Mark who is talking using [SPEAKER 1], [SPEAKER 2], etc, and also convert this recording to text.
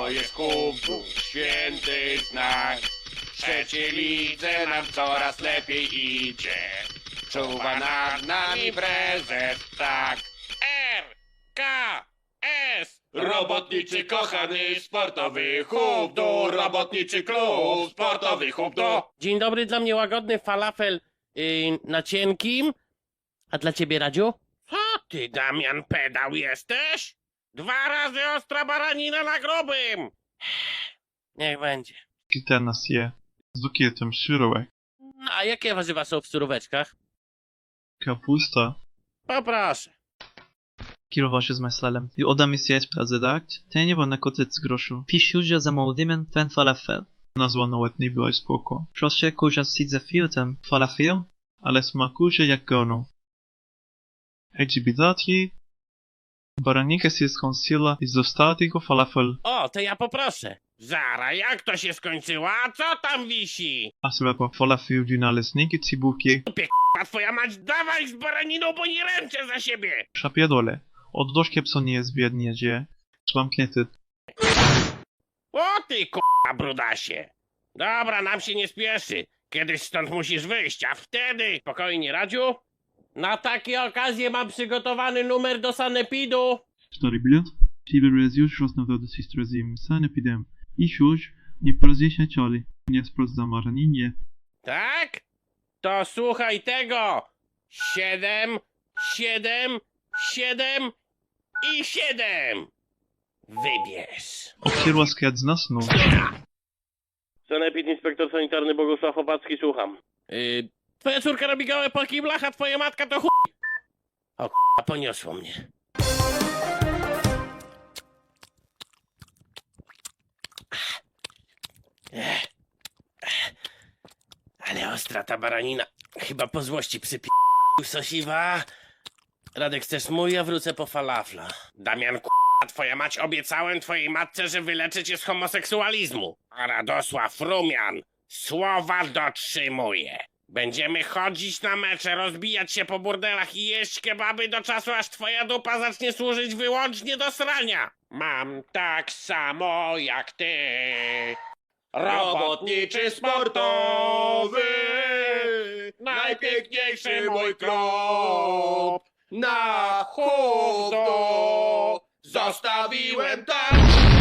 [SPEAKER 1] to jest kubów, święty znak. W trzeciej lidze nam coraz lepiej idzie. Czuwa nad nami prezes, tak. RKS, robotniczy kochany sportowy hub do, robotniczy klub sportowy hub do.
[SPEAKER 2] Dzień dobry, dla mnie łagodny falafel na cienkim. A dla ciebie, Radziu?
[SPEAKER 1] Co ty, Damian, pedał jesteś? 2 razy ostra baranina na grubym.
[SPEAKER 2] Niech będzie.
[SPEAKER 3] Kilka nas je. Z bukietem szurówek.
[SPEAKER 2] A jakie warzywa są w suróweczkach?
[SPEAKER 3] Kapusta.
[SPEAKER 2] Poproszę.
[SPEAKER 4] Kierował з меселем. І одам із президент, тені вона котить з грошу. Пішуджа за молодим фен фалафел.
[SPEAKER 3] Nazwa nawet nie była spoko.
[SPEAKER 4] Проще кожа сидь за філтем фалафел.
[SPEAKER 3] Ale smakuje jak gono. Egibidati. Baranika się skończyła i został tylko falafel.
[SPEAKER 2] O, to ja poproszę.
[SPEAKER 1] Zara, jak to się skończyło? A co tam wisi?
[SPEAKER 3] A sobie po falafel do naleśniki cibułki.
[SPEAKER 1] A twoja mać, dawaj z baraniną, bo nie ręczę za siebie.
[SPEAKER 3] Szapiedole. Od doszkie pso nie jest biednie, gdzie? Trzymam klienty.
[SPEAKER 1] O ty k***a brudasie. Dobra, nam się nie spieszy. Kiedyś stąd musisz wyjść, a wtedy...
[SPEAKER 2] Spokojnie, Radziu. Na takie okazje mam przygotowany numer do sanepidu.
[SPEAKER 3] 4 bilet. Fever jest już roznowiony z historią sanepidem. I już nie porozjeśniaciali. Nie sprawdzam maraninie.
[SPEAKER 2] Tak? To słuchaj tego. 7, 7, 7 i 7. Wybierz.
[SPEAKER 3] Obsierła skład z nas, no.
[SPEAKER 2] Sanepid, inspektor sanitarny Bogusław Opacki, słucham. Twoja córka robi gołe po kiblach, a twoja matka to chuj. O k***a, poniosło mnie. Ale ostra ta baranina. Chyba po złości sosiwa. Radek, chcesz mój? Ja wrócę po falafla.
[SPEAKER 1] Damian k***a, twoja mać, obiecałem twojej matce, że wyleczę cię z homoseksualizmu. A Radosław Rumian słowa dotrzymuje. Będziemy chodzić na mecze, rozbijać się po burdelach i jeść kebaby do czasu, aż twoja dupa zacznie służyć wyłącznie do srania. Mam tak samo jak ty. Robotniczy sportowy, najpiękniejszy mój klub. Na chudo zostawiłem tam